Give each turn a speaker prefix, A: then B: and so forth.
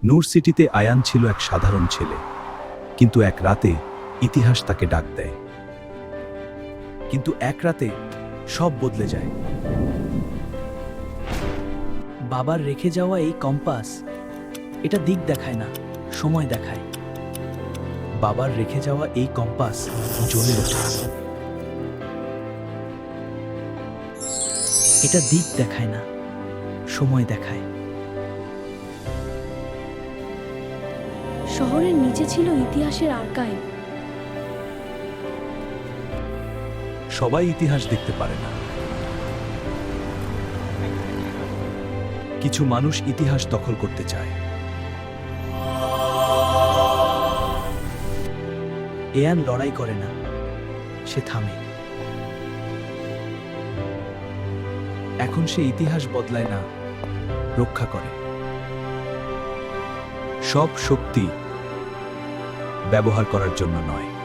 A: নূর সিটিতে আয়ান ছিল এক সাধারণ ছেলে, কিন্তু এক রাতে ইতিহাস তাকে ডাক দেয়। কিন্তু এক রাতে সব বদলে যায়।
B: বাবার রেখে যাওয়া এই কম্পাস, এটা দিক দেখায় না, সময় দেখায়।
A: বাবার রেখে যাওয়া এই কম্পাস জ্বলে ওঠে।
B: এটা দিক দেখায় না, সময় দেখায়।
C: শহরের নিচে ছিল ইতিহাসের আর্কাইভ।
A: সবাই ইতিহাস দেখতে পারে না। কিছু মানুষ ইতিহাস দখল করতে চায়।
B: এয়ান লড়াই করে না, সে থামে।
A: এখন সে ইতিহাস বদলায় না, রক্ষা করে। সব শক্তি ব্যবহার করার জন্য নয়।